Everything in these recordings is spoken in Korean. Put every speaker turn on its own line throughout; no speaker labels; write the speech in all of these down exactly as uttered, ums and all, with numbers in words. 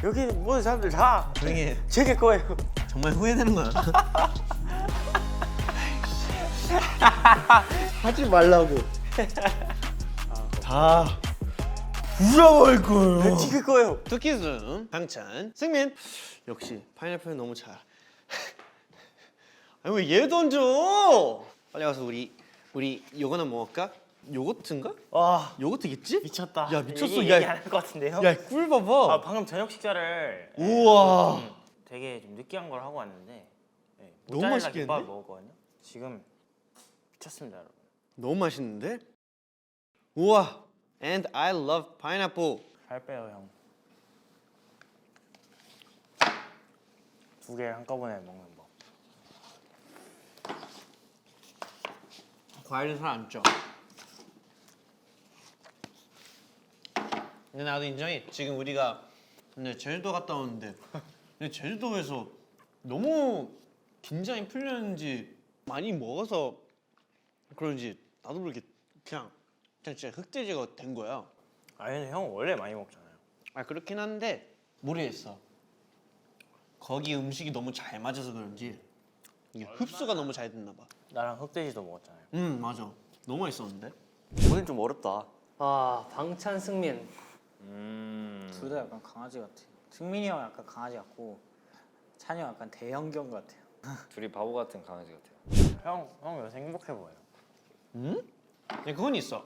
여기 모든 사람들 다
조용히 해.
제게 거예요.
정말 후회되는 건 알아? 하지 말라고. 다 부숴버릴 거예요.
제게 거예요.
투키즘 강찬 승민. 역시 파인애플 너무 잘. 아니 왜 얘 던져? 빨리 가서 우리 우리 요거나 먹을까? 요거트인가?
와
요거트겠지?
미쳤다.
야 미쳤어.
얘기,
야,
얘기 안할 것 같은데요?
야 꿀 봐봐.
아 방금 저녁 식사를
우와.
좀 되게 좀 느끼한 걸 하고 왔는데 네,
너무
모짜렐라
맛있겠는데?
김밥을 먹었거든요. 지금 미쳤습니다, 여러분.
너무 맛있는데? 우와. And I love pineapple.
살 빼요, 형. 두 개 한꺼번에 먹는 법.
과일은 잘 안 쪄. 근데 나도 인정해. 지금 우리가 근데 제주도 갔다 오는데 근데 제주도에서 너무 긴장이 풀렸는지 많이 먹어서 그런지 나도 모르게 그냥 그냥 진짜 흑돼지가 된 거야.
아니 근데 형 원래 많이 먹잖아요.
아 그렇긴 한데 모르겠어. 거기 음식이 너무 잘 맞아서 그런지 이게 흡수가 너무 잘 됐나 봐.
나랑 흑돼지도 먹었잖아요.
음 맞아. 너무 맛있었는데.
오늘 좀 어렵다.
아 방찬 승민
음.
둘 다 약간 강아지 같아. 승민이 형 약간 강아지 같고 찬이 형 약간 대형견 같아요.
둘이 바보 같은 강아지 같아요.
형, 형 요새 행복해 보여요.
음? 네, 그건 있어.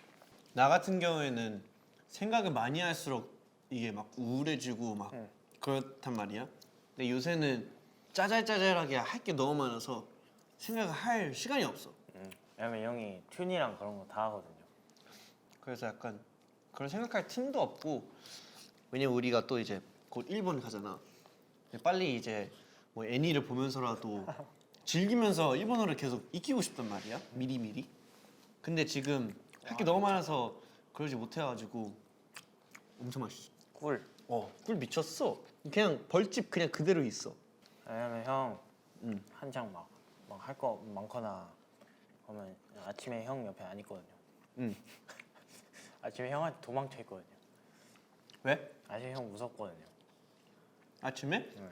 나 같은 경우에는 생각을 많이 할수록 이게 막 우울해지고 막
응.
그렇단 말이야. 근데 요새는 짜잘짜잘하게 할 게 너무 많아서 생각을 할 시간이 없어.
음. 왜냐면 형이 튠이랑 그런 거 다 하거든요.
그래서 약간 그런 생각할 틈도 없고 왜냐면 우리가 또 이제 곧 일본 가잖아. 빨리 이제 뭐 애니를 보면서라도 즐기면서 일본어를 계속 익히고 싶단 말이야. 미리 미리. 근데 지금 할 게 너무 많아서 그러지 못해가지고 엄청 맛있어.
꿀.
어, 꿀 미쳤어. 그냥 벌집 그냥 그대로 있어.
왜냐면 형
응.
한창 막 막 할 거 많거나 그러면 아침에 형 옆에 안 있거든요.
응.
아침에 형한테 도망쳐 있거든요.
왜?
아침에 형 무섭거든요.
아침에?
네.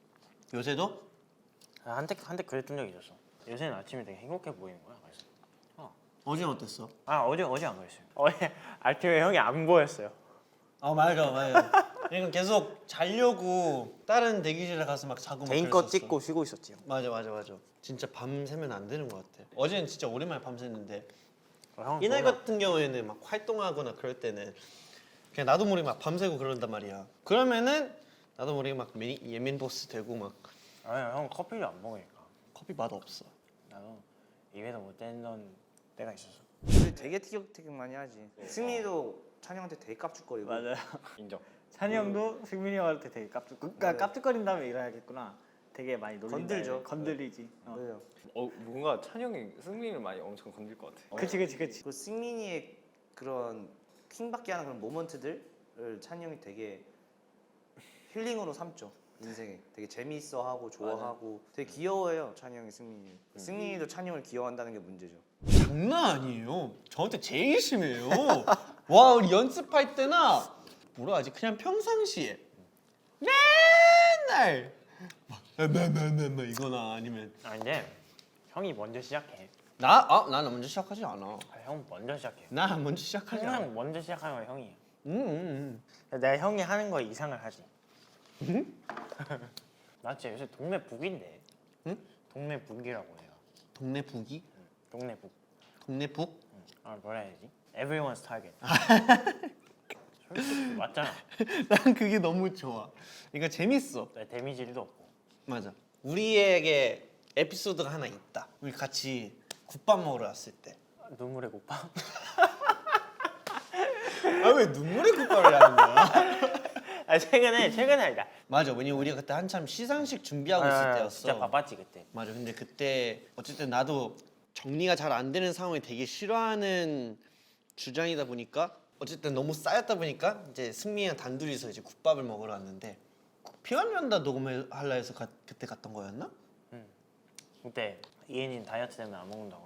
요새도?
아, 한때 한때 그랬던 적이 있었어. 요새는 아침에 되게 행복해 보이는 거야. 그래서 어.
어제는 어땠어?
아 어제 어제 안 그랬어요. 어제 아침에 형이 안 보였어요.
아 맞아 맞아. 그러니까 계속 자려고 다른 대기실에 가서 막 자고 막
개인 거
그랬었어.
찍고 쉬고 있었지요.
맞아 맞아 맞아. 진짜 밤 새면 안 되는 것 같아. 어제는 진짜 오랜만에 밤 샜는데
어, 형
이날
좋아.
같은 경우에는 막 활동하거나 그럴 때는 그냥 나도 모르게 막 밤새고 그런단 말이야. 그러면은 나도 모르게 막 미, 예민 보스 되고 막
아니 형 커피를 안 먹으니까
커피 맛 없어.
나도 입에서 못 떼던 때가 있었어.
우리 되게 티격태격 많이 하지. 승민이도 찬영한테 되게 깝죽거리고.
맞아요.
인정.
찬이 형도 승민이 형한테 되게 깝죽 그러니까 깝죽거린 다음에 일어나겠구나. 되게 많이 놀린다.
건들죠.
건들리지. 어.
맞아요.
어 뭔가 찬영이 승민이를 많이 엄청 건들 것 같아.
그치 그치 그치.
그 승민이의 그런 킹받게 하는 그런 모먼트들을 찬영이 되게 힐링으로 삼죠. 인생에 되게 재미있어하고 좋아하고 되게 귀여워해요. 찬영이 승민이. 승민이도 찬영을 귀여워한다는 게 문제죠.
장난 아니에요. 저한테 제일 심해요. 와 우리 연습할 때나 뭐라 하지? 그냥 평상시에 맨날 막나나나나 이거나 아니면
아 근데 형이 먼저 시작해.
나? 아 나는 먼저 시작하지 않아.
아, 형 먼저 시작해.
나 먼저 시작하지 않아.
항상 먼저 시작하는 건 형이에요.
음, 음, 음.
내가 형이 하는 거 이상을 하지. 나 진짜 요새 동네 북인데.
응?
동네 북이라고 해요.
동네 북이?
동네 북.
동네 북?
응. 아 뭐라 해야지? Everyone's target. 솔직히 맞잖아.
난 그게 너무 좋아. 그러니까 재밌어.
내 데미지 일도 없고.
맞아. 우리에게 에피소드가 하나 있다. 우리 같이 국밥 먹으러 왔을 때.
아, 눈물의 국밥.
아 왜 눈물의 국밥을 하는 거야?
아 최근에 최근에 아니다.
맞아. 왜냐면 우리가 그때 한참 시상식 준비하고 있을
아,
때였어.
진짜 바빴지 그때.
맞아. 근데 그때 어쨌든 나도 정리가 잘 안 되는 상황을 되게 싫어하는 주장이다 보니까 어쨌든 너무 쌓였다 보니까 이제 승민이랑 단둘이서 이제 국밥을 먹으러 왔는데 피아노한다 녹음하려 해서 가, 그때 갔던 거였나?
그때 이엔이는 다이어트 때문에 안 먹는다고 그러고.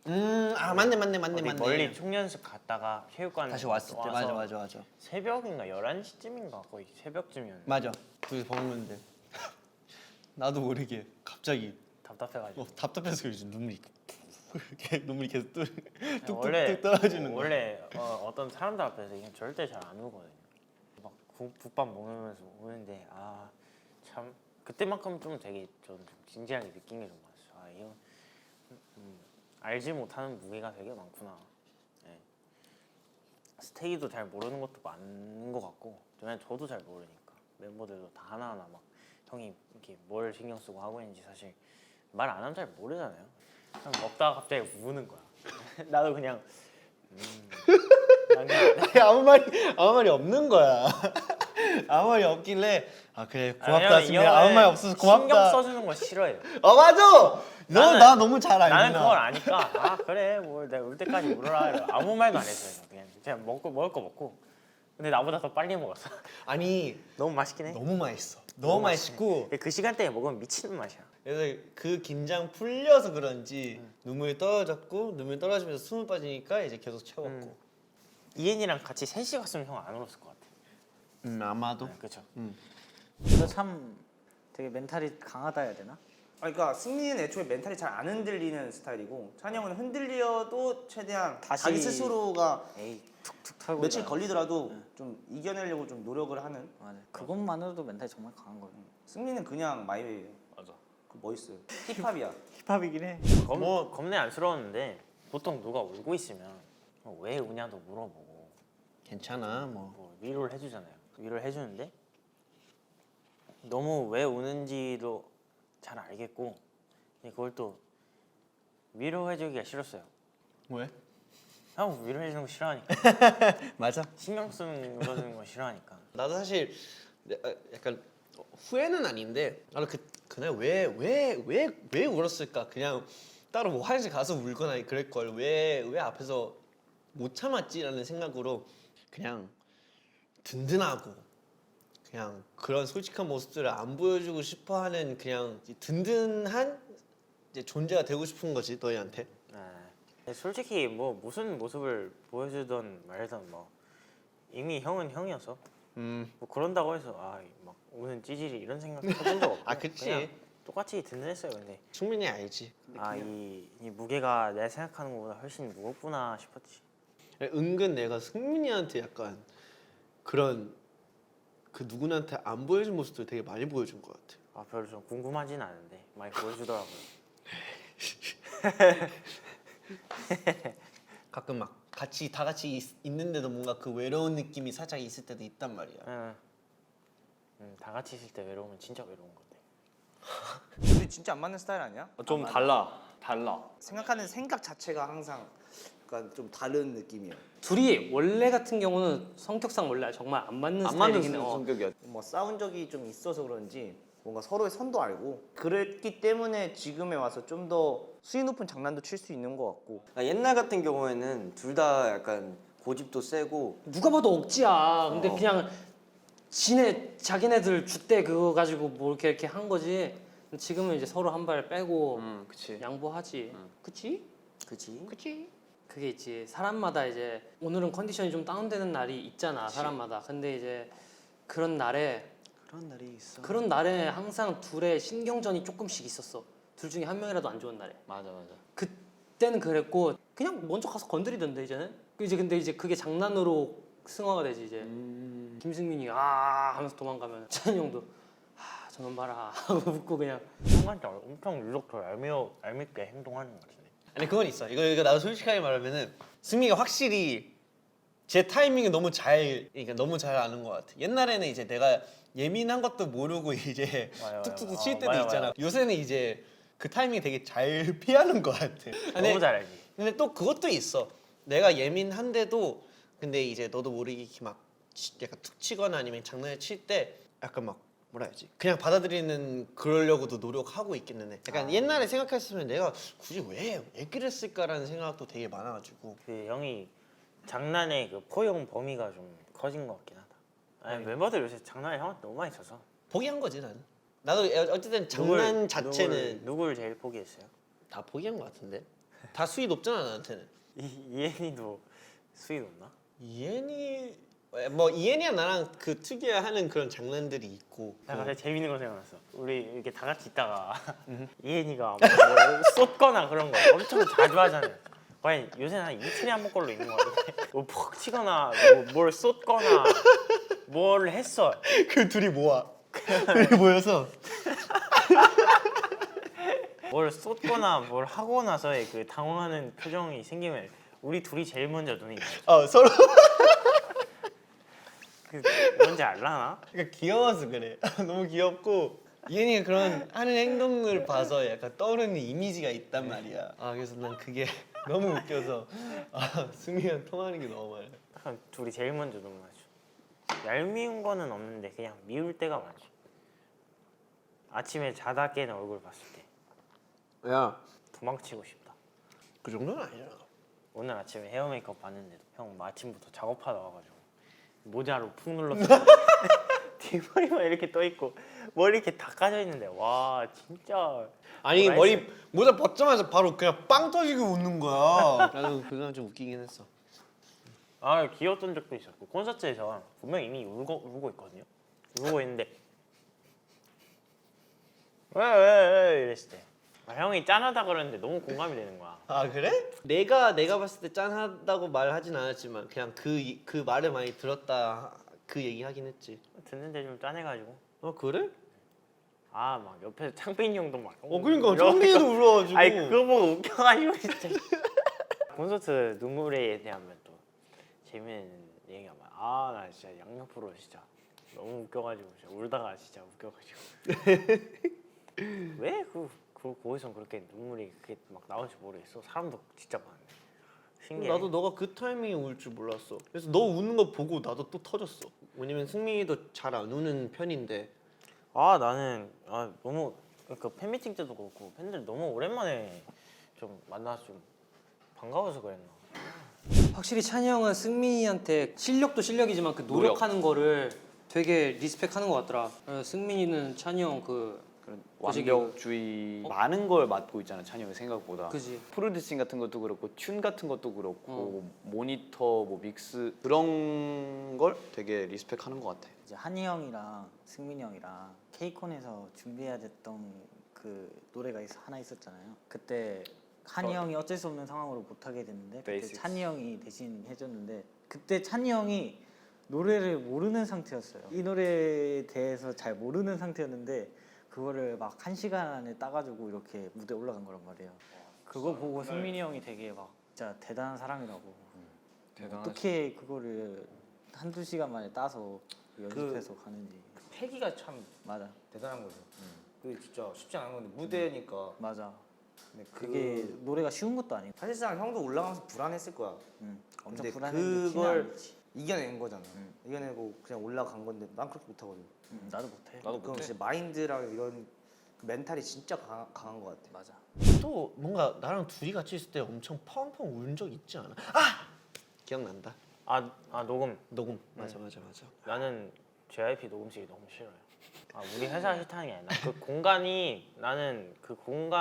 음아 맞네 맞네 맞네
어디
맞네.
멀리 총연습 갔다가 체육관
다시 왔을 때
와서
맞아 맞아 맞아.
새벽인가 열한 시쯤인가 거의 새벽쯤이었는데
맞아. 거기 먹는데 나도 모르게 갑자기
답답해가지고
어, 답답해서 요즘 눈물이 이렇게 눈물이 계속 뚝,
원래
뚝뚝뚝 떨어지는 거야.
원래 어, 어떤 사람들 앞에서 그냥 절대 잘 안 울거든요. 막 국, 국밥 먹으면서 우는데 아 참 그때만큼 좀 되게 좀 진지하게 느낀 게 좀 많았어. 아 이거 음, 알지 못하는 무게가 되게 많구나. 네. 스테이도 잘 모르는 것도 많은 것 같고 왜냐면 저도 잘 모르니까 멤버들도 다 하나하나 막 형이 이렇게 뭘 신경 쓰고 하고 있는지 사실 말 안 하면 잘 모르잖아요. 그냥 먹다가 갑자기 우는 거야. 나도 그냥 음, 난 그냥
아니, 아무 말이 아무 말이 없는 거야. 아무 말이 없길래 아 그래 고맙다
왜냐면 이
승민아
형은
아무 말 없어서
신경
고맙다.
써주는 거 싫어해요.
어 맞아. 너
나는-
나 너무 잘 알잖아.
나는 그걸 아니까 아 그래 뭐 내가 울 때까지 울어라 이러고 아무 말도 안 했어요. 그냥 그냥 먹고 먹을 거 먹고. 근데 나보다 더 빨리 먹었어.
아니
너무 맛있긴 해.
너무 맛있어. 너무 맛있고
그 시간대에 먹으면 미치는 맛이야.
그래서 그 긴장 풀려서 그런지 눈물이 떨어졌고 눈물 떨어지면서 숨을 빠지니까 이제 계속 채웠고.
음. 이엔이랑 같이 셋이 갔으면 형 안 울었을 것 같아.
음 아마도.
네, 그렇죠.
너 참 되게 멘탈이 강하다 해야 되나?
아, 그러니까 승리는 애초에 멘탈이 잘 안 흔들리는 스타일이고 찬이 형은 흔들려도 최대한
다시-
자기 스스로가
에이 툭툭 털고
며칠
있잖아.
걸리더라도 좀 이겨내려고 좀 노력을 하는.
맞아. 그것만으로도 멘탈이 정말 강한 거예요.
승리는 그냥 마이웨이예요.
맞아.
그 멋있어요. 힙합이야.
힙합이긴 해.
겁,
뭐-
겁내 안쓰러웠는데 보통 누가 울고 있으면 어, 왜 우냐도 물어보고
괜찮아 뭐.
뭐 위로를 해주잖아요. 위로를 해주는데 너무 왜 우는지도 잘 알겠고 근데 그걸 또 위로해주기가 싫었어요.
왜?
형 위로해주는 거 싫어하니까
맞아.
신경 쓰는 거주는 거 싫어하니까
나도 사실 내- 아, 약간 후회는 아닌데 나도 그 그날 왜 왜 왜 왜 울었을까? 그냥 따로 뭐 화장실 가서 울거나 그럴 걸 왜 왜 앞에서 못 참았지라는 생각으로 그냥 든든하고 그냥 그런 솔직한 모습들을 안 보여주고 싶어하는 그냥 든든한 이제 존재가 되고 싶은 거지 너희한테.
네. 솔직히 뭐 무슨 모습을 보여주던 말든 뭐 이미 형은 형이어서
음.
뭐 그런다고 해서 아막 우는 찌질이 이런 생각 해본 적 없고
아, 그치.
그냥 똑같이 든든했어요. 근데
충분히 알지.
아이 이 무게가 내가 생각하는 것보다 훨씬 무겁구나 싶었지.
은근 내가 승민이한테 약간 그런 그 누구한테 안 보여준 모습들 되게 많이 보여준 것 같아.
아 별로 좀 궁금하진 않은데 많이 보여주더라고요.
가끔 막 같이 다 같이 있, 있는데도 뭔가 그 외로운 느낌이 살짝 있을 때도 있단 말이야.
응. 음, 다 같이 있을 때 외로우면 진짜 외로운 건데.
우리 진짜 안 맞는 스타일 아니야?
어, 좀 달라. 달라.
생각하는 생각 자체가 항상 약간 좀 다른 느낌이야.
둘이 원래 같은 경우는 성격상 원래 정말 안 맞는
안 맞는
스타일이긴 해. 어.
성격이야.
뭐 싸운 적이 좀 있어서 그런지 뭔가 서로의 선도 알고 그랬기 때문에 지금에 와서 좀 더 수위 높은 장난도 칠 수 있는 것 같고.
아, 옛날 같은 경우에는 둘 다 약간 고집도 세고
누가 봐도 억지야. 근데
어.
그냥 지네 자기네들 줏대 그거 가지고 뭐 이렇게 이렇게 한 거지. 지금은 이제 서로 한 발 빼고
음, 그치.
양보하지. 그치?
그치?
그치? 그게 있지. 사람마다 이제 오늘은 컨디션이 좀 다운되는 날이 있잖아. 사람마다. 근데 이제 그런 날에
그런 날이 있어.
그런 날에 항상 둘의 신경전이 조금씩 있었어. 둘 중에 한 명이라도 안 좋은 날에.
맞아, 맞아.
그때는 그랬고 그냥 먼저 가서 건드리던데 이제는. 그 이제 근데 이제 그게 장난으로 승화가 되지 이제.
음...
김승민이 아 하면서 도망가면 찬이 형도 아 저놈 봐라 하고 웃고 그냥.
형한테 엄청 유독 더 얄미워 얄밉게 행동하는 것 같은데.
아니 그건 있어. 이거 이거 나도 솔직하게 말하면은 승민이가 확실히 제 타이밍을 너무 잘 그러니까 너무 잘 아는 것 같아. 옛날에는 이제 내가 예민한 것도 모르고 이제
맞아요,
툭툭툭
맞아요.
칠
어,
때도
맞아요,
있잖아.
맞아요.
요새는 이제 그 타이밍 되게 잘 피하는 것 같아. 근데,
너무 잘 알지.
근데 또 그것도 있어. 내가 예민한데도 근데 이제 너도 모르게 이렇게 막 치- 약간 툭 치거나 아니면 장난을 칠 때 약간 막 뭐라 해야지 그냥 받아들이는 그러려고도 노력하고 있기는 해. 약간
아.
옛날에 생각했으면 내가 굳이 왜, 왜 그랬을까라는 생각도 되게 많아가지고.
그 형이 장난의 그 포용 범위가 좀 커진 것 같긴 하다. 아니 멤버들 요새 장난을 형한테 너무 많이 쳐서.
포기한 거지 나는. 나도 어쨌든 장난
누굴-
자체는
누굴, 누굴 제일 포기했어요?
다 포기한 것 같은데. 다 수위 높잖아 나한테는.
이 이엔이도 수위 높나?
이엔이 뭐 이엔이랑 나랑 그 특유의 하는 그런 장난들이 있고.
나 갑자기 재밌는 거 생각났어. 우리 이렇게 다 같이 있다가 이엔이가 뭐 쏟거나 그런 거 엄청 자주 하잖아요. 과연 요새는 한 이틀에 한 번 걸로 있는 거 같은데 뭐푹 치거나 뭐 뭘 쏟거나 뭘 했어.
그 둘이 모아. 둘이 모여서
뭘 쏟거나 뭘 하고 나서의 그 당황하는 표정이 생기면 우리 둘이 제일 먼저 눈이 마주쳐.
어 서로
그 뭔지 알라나?
그러니까 귀여워서 그래. 너무 귀엽고 이엔이가 그런 하는 행동을 봐서 약간 떠오르는 이미지가 있단 말이야. 아 그래서 난 그게 너무 웃겨서 아 승민이랑 통하는 게 너무 많아.
약간 둘이 제일 먼저 눈 마주쳐. 얄미운 거는 없는데 그냥 미울 때가 많지. 아침에 자다 깨는 얼굴 봤을 때
야,
도망치고 싶다.
그 정도는 아니잖아.
오늘 아침에 헤어 메이크업 봤는데도 형 아침부터 작업하다 와가지고 모자로 푹 눌렀어. 뒷머리만 이렇게 떠 있고 머리 이렇게 다 까져 있는데 와 진짜.
아니
나이스.
머리 모자 벗자마자 바로 그냥 빵 터지고 웃는 거야. 나도 그건 좀 웃기긴 했어.
아 귀여웠던 적도 있었고 콘서트에서 분명 이미 울고 울고 있거든요. 울고 있는데 왜 왜 왜 이랬을 때 아, 형이 짠하다 그러는데 너무 공감이 되는 거야.
아 그래? 내가 내가 봤을 때 짠하다고 말하진 않았지만 그냥 그 그 말을 많이 들었다 그 얘기 하긴 했지.
듣는데 좀 짠해가지고
어 그래?
아 막 옆에서 창빈이 형도 막
어 그러니까
이러고
창빈이도 울어가지고.
아니 그거 보고 웃겨가지고 진짜. 콘서트 눈물에 대하면 또 재밌는 얘기가 많아. 아 나 진짜 양옆으로 진짜 너무 웃겨가지고 진짜 울다가 진짜 웃겨가지고. 왜 그 그 거기서 그렇게 눈물이 그게 막 나올지 모르겠어. 사람도 진짜 많은데. 신기해.
나도 너가 그 타이밍에 울 줄 몰랐어. 그래서 너 우는 거 보고 나도 또 터졌어. 왜냐면 승민이도 잘 안 우는 편인데.
아 나는 아 너무 그 팬미팅 때도 그렇고 팬들 너무 오랜만에 좀 만나서 좀 반가워서 그랬나.
확실히 찬이 형은 승민이한테 실력도 실력이지만 그 노력하는 거를 되게 리스펙하는 것 같더라. 어, 승민이는 찬이 형그
그런
솔직히
완벽주의 많은 걸 맡고 있잖아 찬이 형이 생각보다.
그지.
프로듀싱 같은 것도 그렇고 튠 같은 것도 그렇고
어.
모니터 뭐 믹스 그런 걸 되게 리스펙하는 것 같아.
이제 한이 형이랑 승민이 형이랑 케이콘에서 준비해야 됐던 그 노래가 있, 하나 있었잖아요. 그때 한이
어.
형이 어쩔 수 없는 상황으로 못 하게 됐는데 그때
Basics.
찬이 형이 대신 해줬는데 그때 찬이 형이 노래를 모르는 상태였어요. 이 노래에 대해서 잘 모르는 상태였는데 그거를 막 한 시간 안에 따가지고 이렇게 무대 에 올라간 거란 말이에요. 그거 보고 승민이 형이 되게 막 진짜 대단한 사람이라고.
대단하시.
어떻게 그거를 한두 시간 만에 따서 연습해서 가는지.
패기가 참
맞아,
대단한 거죠. 그게 진짜 쉽지 않은 건데 무대니까.
맞아.
근데
그게
그
노래가 쉬운 것도 아니고.
사실상 형도 올라가면서 불안했을 거야.
응. 엄청
근데
불안했는데 티는
그걸
안 나지.
이겨낸 거잖아. 이겨내고 그냥 올라간 건데 난 그렇게 못하거든.
응, 나도 못해.
나도
그럼
못해.
진짜 마인드랑 이런 그 멘탈이 진짜 강한, 강한 것 같아.
맞아.
또 뭔가 나랑 둘이 같이 있을 때 엄청 펑펑 운 적 있지 않아? 아 기억난다.
아, 아 녹음.
녹음. 맞아 맞아 맞아.
나는 제이아이피 녹음실이 너무 싫어요. 아 우리 회사 싫다는 게 아니라 그 공간이 나는 그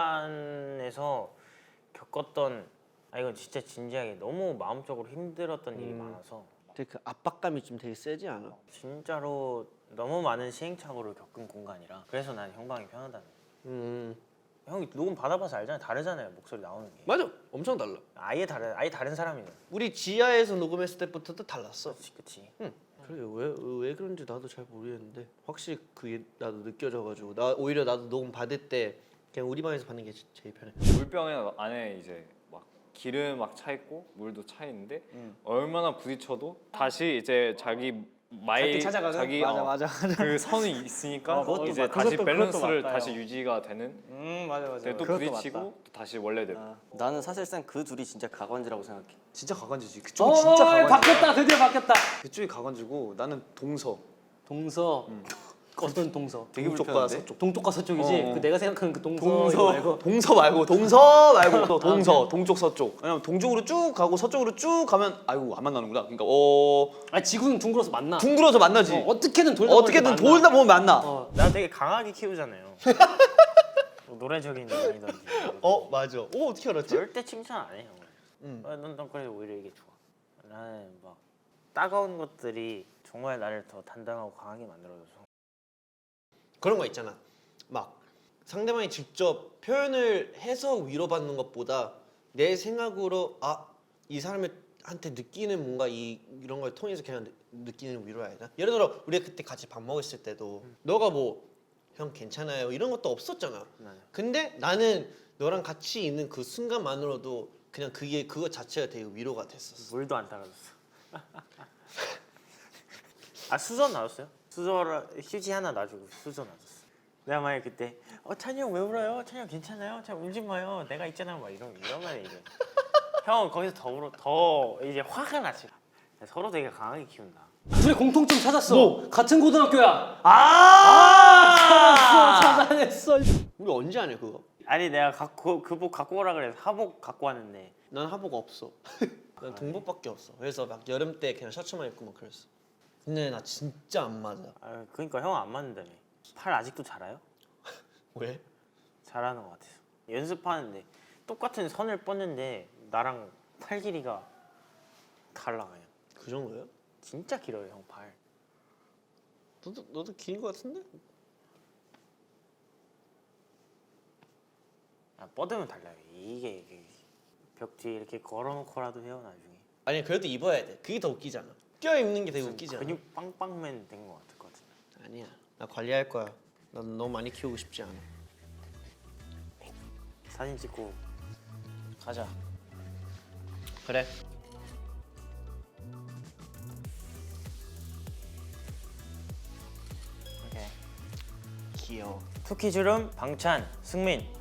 공간에서 겪었던 아 이건 진짜 진지하게 너무 마음적으로 힘들었던 일이
음.
많아서
되게 그 압박감이 좀 되게 세지 않아?
진짜로 너무 많은 시행착오를 겪은 공간이라 그래서 난 형방이 편하다는 거야.
음
형이 녹음 받아봐서 알잖아요. 다르잖아요. 목소리 나오는 게.
맞아. 엄청 달라.
아예 다른 아예 다른 사람이네.
우리 지하에서 녹음했을 때부터도 달랐어.
그치 그치.
그래 왜왜 그런지 나도 잘 모르겠는데 확실히 그게 나도 느껴져가지고 나 오히려 나도 녹음 받을 때 그냥 우리 방에서 받는 게 제- 제일 편해.
물병에 안에 이제 막 기름 막 차 있고 물도 차 있는데
음.
얼마나 부딪혀도 다시 이제 자기 마이
찾아가는?
자기
맞아,
어,
맞아.
그 선이 있으니까
어, 그것도
이제
맞-
다시
그것도-
밸런스를
그것도 맞다,
다시
형.
유지가 되는.
음 맞아 맞아.
근데 또
그것도
부딪히고
맞다.
또 다시 원래대로.
아,
나는 사실상 그 둘이 진짜 가관지라고 생각해.
진짜 가관지지.
어,
그쪽이 진짜 가관지.
바뀌었다. 드디어 바뀌었다.
그쪽이 가관지고 나는 동서.
동서. 어떤 동서?
되게
동쪽과
불편한데?
서쪽.
동쪽과 서쪽이지.
어, 어.
그 내가 생각하는 그 동서,
동서
이거 말고.
동서 말고 동서 말고 또 동서 동쪽 서쪽. 왜냐면 동쪽으로 쭉 가고 서쪽으로 쭉 가면 아이고 안 만나는구나. 그러니까 어
아니 지구는 둥글어서 만나.
둥글어서 만나지.
어, 어떻게든 돌다
어떻게든
보면 만나.
돌다 보면 만나.
어.
나 되게 강하게 키우잖아요. 노래적인 면이던지.
어 맞아. 오 어떻게 알았지?
절대 칭찬 안 해 형은.
응.
어, 넌, 넌 그래도 오히려 이게 좋아. 나는 막 따가운 것들이 정말 나를 더 단단하고 강하게 만들어줘서.
그런 거 있잖아. 막 상대방이 직접 표현을 해서 위로받는 것보다 내 생각으로 아 이 사람한테 느끼는 뭔가 이 이런 걸 통해서 그냥 느- 느끼는 위로야 해야 되나? 예를 들어 우리가 그때 같이 밥 먹었을 때도 너가 뭐 형 괜찮아요 이런 것도 없었잖아.
맞아.
근데 나는 너랑 같이 있는 그 순간만으로도 그냥 그게 그거 자체가 되게 위로가 됐었어.
물도 안 따라줬어. 아 수저 놔줬어요? 수저를 휴지 하나 놔주고 수저 놔줬어. 내가 만약 그때 어 찬이 형 왜 울어요? 찬이 형 괜찮아요? 찬 울지 마요. 내가 있잖아. 막 이런 이런 말 얘기해. 형은 거기서 더 울어 더 이제 화가 나지. 서로 되게 강하게 키운다.
둘의 공통점 찾았어. 같은 고등학교야.
아!
찾았어, 찾아냈어.
우리 언제 안 해 그거?
아니 내가 갖고 그복 갖고 오라 그래서 하복 갖고 왔는데
난 하복 없어. 난 동복밖에 없어. 그래서 막 여름 때 그냥 셔츠만 입고 막 그랬어. 근데 나 진짜 안 맞아.
아 그러니까 형 안 맞는다며. 팔 아직도 자라요?
왜?
잘하는 것 같아서 연습하는데 똑같은 선을 뻗는데 나랑 팔 길이가 달라 그냥.
그 정도야?
진짜 길어요 형 팔.
너도 너도 긴 거 같은데?
아, 뻗으면 달라요. 이게, 이게 벽 뒤에 이렇게 걸어놓고라도 해요 나중에.
아니 그래도 입어야 돼. 그게 더 웃기잖아. 껴 입는 게 되게 웃기지 않아?
근육 빵빵맨 된 것 같을 것 같은데.
아니야. 나 관리할 거야. 난 너무 많이 키우고 싶지 않아.
사진 찍고
가자. 그래.
이렇게
귀여워.
투키 주름 방찬 승민